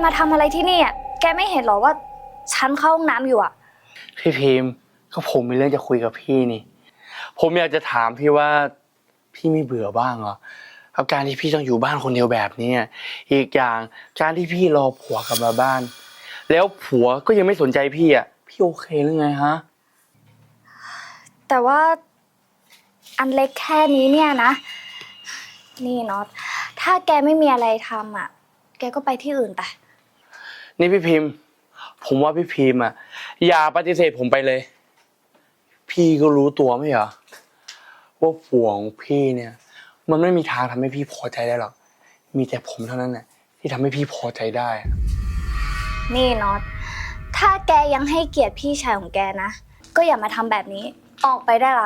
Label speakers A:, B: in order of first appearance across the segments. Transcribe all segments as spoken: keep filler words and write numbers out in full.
A: มาทำอะไรที่นี่อ่ะแกไม่เห็นหรอว่าฉันเข้าห้องน้ำอยู่อ่ะ
B: พี่พิมพ์ก็ผมมีเรื่องจะคุยกับพี่นี่ผมอยากจะถามพี่ว่าพี่ไม่เบื่อบ้างเหรอกับการที่พี่ต้องอยู่บ้านคนเดียวแบบนี้อีกอย่างการที่พี่รอผัวกลับมาบ้านแล้วผัวก็ยังไม่สนใจพี่อ่ะพี่โอเคหรือไงฮะ
A: แต่ว่าอันเล็กแค่นี้เนี่ยนะนี่น็อตถ้าแกไม่มีอะไรทำอ่ะแกก็ไปที่อื่นไป
B: นี่พี่พิมพ์ผมว่าพี่พิมพ์อ่ะอย่าปฏิเสธผมไปเลยพี่ก็รู้ตัวไม่เหรอว่าผัวของพี่เนี่ยมันไม่มีทางทำให้พี่พอใจได้หรอกมีแต่ผมเท่านั้นแหละที่ทำให้พี่พอใจได้
A: นี่น็อตถ้าแกยังให้เกียรติพี่ชายของแกนะก็อย่ามาทำแบบนี้ออกไปได้ละ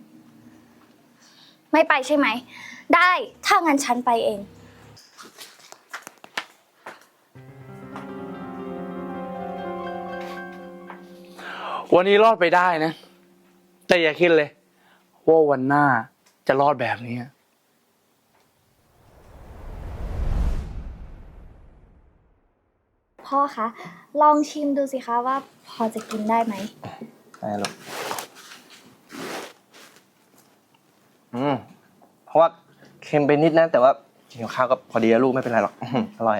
A: ไม่ไปใช่ไหมได้ถ้างั้นฉันไปเอง
B: วันนี้รอดไปได้นะแต่อย่าคิดเลยว่าวันหน้าจะรอดแบบนี้
A: พ่อคะลองชิมดูสิคะว่าพอจะกินได้ไหม
C: ได้ลูกอืมเพราะว่าเค็มไปนิดนะแต่ว่ากินกับข้าวก็พอดีแล้วลูกไม่เป็นไรหรอกอร่อย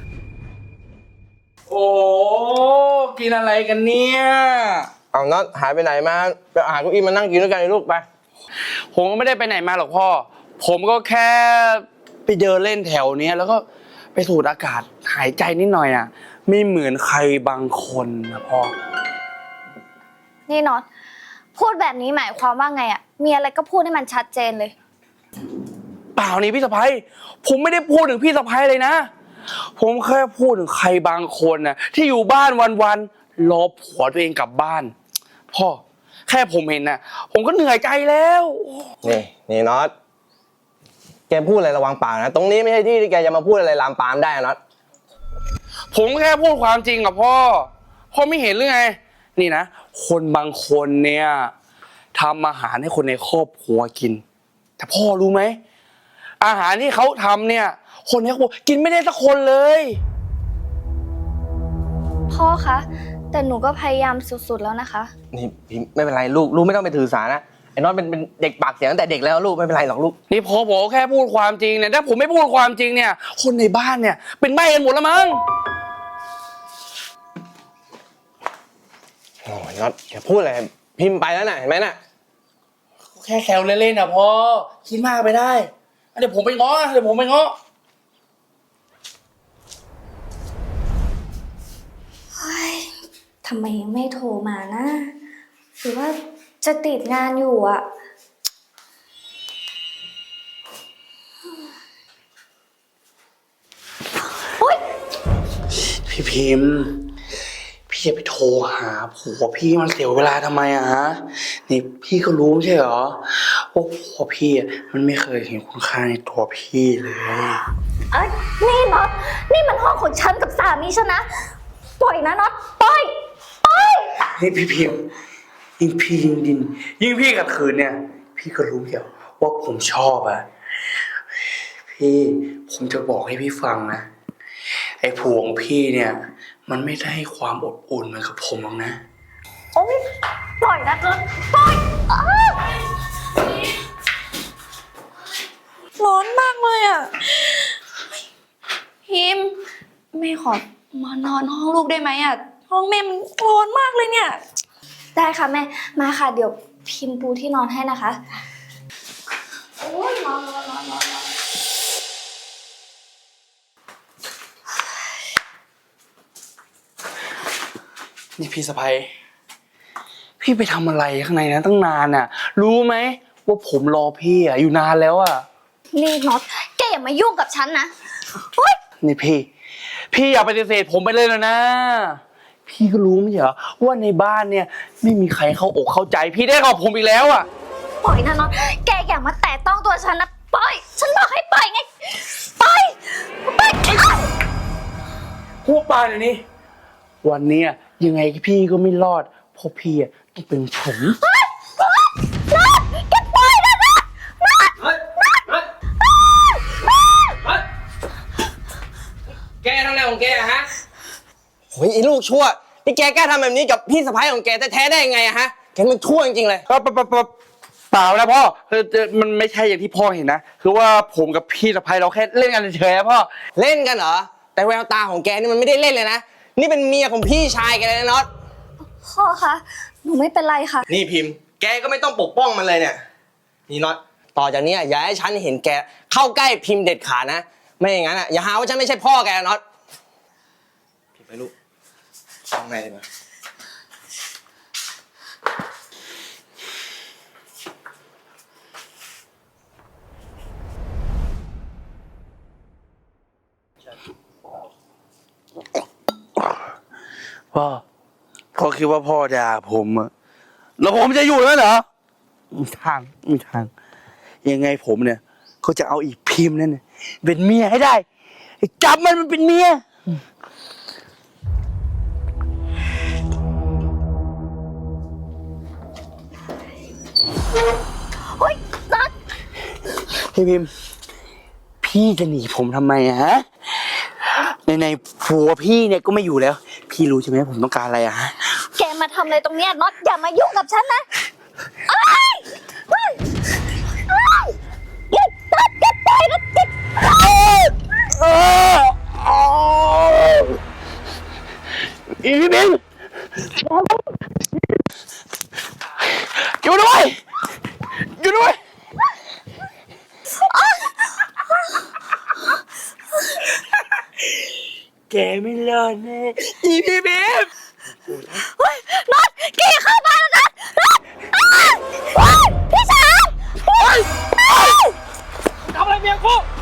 B: โอ้กินอะไรกันเนี่ย
C: เอาน็อตหายไปไหนมาไปหาเก้าอี้มานั่งกินด้วยกันเลยลูกไป
B: ผมก็ไม่ได้ไปไหนมาหรอกพ่อผมก็แค่ไปเดินเล่นแถวนี้แล้วก็ไปสูดอากาศหายใจนิดหน่อยอ่ะไม่เหมือนใครบางคนนะพ่อ
A: นี่น็อตพูดแบบนี้หมายความว่าไงอ่ะมีอะไรก็พูดให้มันชัดเจนเลย
B: เปล่านี่พี่สะใภ้ผมไม่ได้พูดถึงพี่สะใภ้เลยนะผมแค่พูดถึงใครบางคนน่ะที่อยู่บ้านวันๆรอผัวตัวเองกลับบ้านพ่อแค่ผมเห็นน่ะผมก็เหนื่อยใจแล้ว
C: นี่นี่น็อตแกพูดอะไรระวังปากนะตรงนี้ไม่ใช่ที่ที่แกจะมาพูดอะไรลามปามได้น็อต
B: ผมแค่พูดความจริงกับพ่อพ่อไม่เห็นหรือไงนี่นะคนบางคนเนี่ยทำอาหารให้คนในครอบครัวกินแต่พ่อรู้ไหมอาหารที่เขาทำเนี่ยคนในครอบครัวกินไม่ได้สักคนเลย
A: พ่อคะแต่หนูก็พยายามสุดๆแล้วนะคะ
C: นี่พี่ไม่เป็นไรลูกลูกไม่ต้องไปถือสานะไอ้น็อตเป็นเป็นเด็กปากเสียงตั้งแต่เด็กแล้วลูกไม่เป็นไรหรอกลูก
B: นี่พ่อบอกแค่พูดความจริงเนี่ยถ้าผมไม่พูดความจริงเนี่ยคนในบ้านเนี่ยเป็นใบ้กันหมดแล้วมั้ง
C: โอ้ยน็อตแกพูดอะไรพิมพ์ไปแล้วน่ะเห็นไหมน่ะ
B: แค่แซวเล่นๆนะพ่อคิดมากไปได้เดี๋ยวผมไปง้อเดี๋ยวผมไปง้อ
A: เฮ้ยทำไมยังไม่โทรมานะหรือว่าจะติดงานอยู่อ่ะ
B: พี่พิมพ์พี่จะไปโทรหาผัวพี่มันเสียเวลาทำไมอะฮะนี่พี่ก็รู้ไม่ใช่เหรอว่าผัวพี่มันไม่เคยเห็นคุณค่าในตัวพี่เลย
A: เอ้ยนี่น็อตนี่มันห้องของฉันกับสามีฉันนะปล่อยนะน็อตปล่อยปล่อย
B: นี่พี่พิมพ์ยิ่งพี่ยิ่งดินยิ่งพี่ขัดขืนเนี่ยพี่ก็รู้เดียวว่าผมชอบอะพี่ผมจะบอกให้พี่ฟังนะไอ้ผัวของพี่เนี่ยมันไม่ได้ให้ความอบอุ่นเหมือนกับผมหรอกนะ
A: โอ๊ยปล่อยนะน็อตปล่อย
D: ร้อนมากเลยอ่ะพิมแม่ขอมานอนห้องลูกได้ไหมอ่ะห้องแม่มันร้อนมากเลยเนี่ย
A: ได้ค่ะแม่มาค่ะเดี๋ยวพิมพ์ปูที่นอนให้นะคะโอ้ยนอนนอนนอนนอน
B: นี่พี่สะใภ้พี่ไปทำอะไรข้างในนั้นตั้งนานน่ะรู้ไหมว่าผมรอพี่อ่ะอยู่นานแล้วอ่ะ
A: นี่น็อตแกอย่ามายุ่งกับฉันนะ
B: นี่พี่พี่อย่าปฏิเสธผมไปเลยนะนะพี่ก็รู้ไม่ใช่เหรอว่าในบ้านเนี่ยไม่มีใครเข้าอกเข้าใจพี่ได้กับผมอีกแล้วอ่ะ
A: ปล่อยนะน็อตแกอย่ามาแตะต้องตัวฉันนะปล่อยฉันบอกให้ปล่อยไงปล่อยปล่อย
B: พวกปลาเนี่ยนี่วันนี้ยังไงพี่ก็ไม่รอดเพราะพี่ต้องเป็นผม
A: น็อตแกปล่อยนะน็อตน็อต
C: แกทำอะไรของแกฮะโอ้ยไอ้ลูกชั่วนี่แกกล้าทำแบบนี้กับพี่สะใภ้ของแกแท้ๆได้ยังไงอะฮะแกมันชั่วจริงๆเลย
B: ก็เปล่าเปล่าเปล่านะพ่อคือมันไม่ใช่อย่างที่พ่อเห็นนะคือว่าผมกับพี่สะใภ้เราแค่เล่นกันเฉยๆนะพ่อ
C: เล่นกันเหรอแต่แววตาของแกนี่มันไม่ได้เล่นเลยนะนี่เป็นเมียของพี่ชายแกเลยนะน็อต
A: พ่อคะหนูไม่เป็นไรค่ะ
C: นี่พิมพ์ แกก็ไม่ต้องปกป้องมันเลยเนี่ยนี่น็อตต่อจากนี้อย่าให้ฉันเห็นแกเข้าใกล้พิมพ์เด็ดขาดนะไม่อย่างนั้นอ่ะอย่าหาว่าฉันไม่ใช่พ่อแกนะน็อตพิมพ์ไปลูกข้างในเลยนะ
B: พ่อพ่อคิดว่าพ่อด่าผมอะแล้วผมจะอยู่แล้วเหรอไม่ทางไม่ทางยังไงผมเนี่ยก็จะเอาอีกพิมพ์นั่นน่ะเป็นเมียให้ได้จับมันมันเป็นเมีย
A: เฮ้ยนัด
B: พี่พิมพ์พี่จะหนีผมทำไมอะฮะในในผัวพี่เนี่ยก็ไม่อยู่แล้ว พี่รู้ใช่ไหมผมต้องการอะไรอะฮะ
A: แกมาทำอะไรตรงเนี้ยน็อตอย่ามายุ่งกับฉันนะไอ้ยเฮ้ยเฮ้ยหยุดนัดหยุดปล่อยนัดหยุด
B: อีพี่พิมพ์อยู่ด้วยอยู่ด้วยแกไม่รอดแน่อีพี่พิมพ์
A: เฮ้ยน็อตแกอย่าเข้ามาแล้วนะน็อตอ้าวเฮ้ยพี่ชายเฮ้ย
B: ทำอะไรเมียกู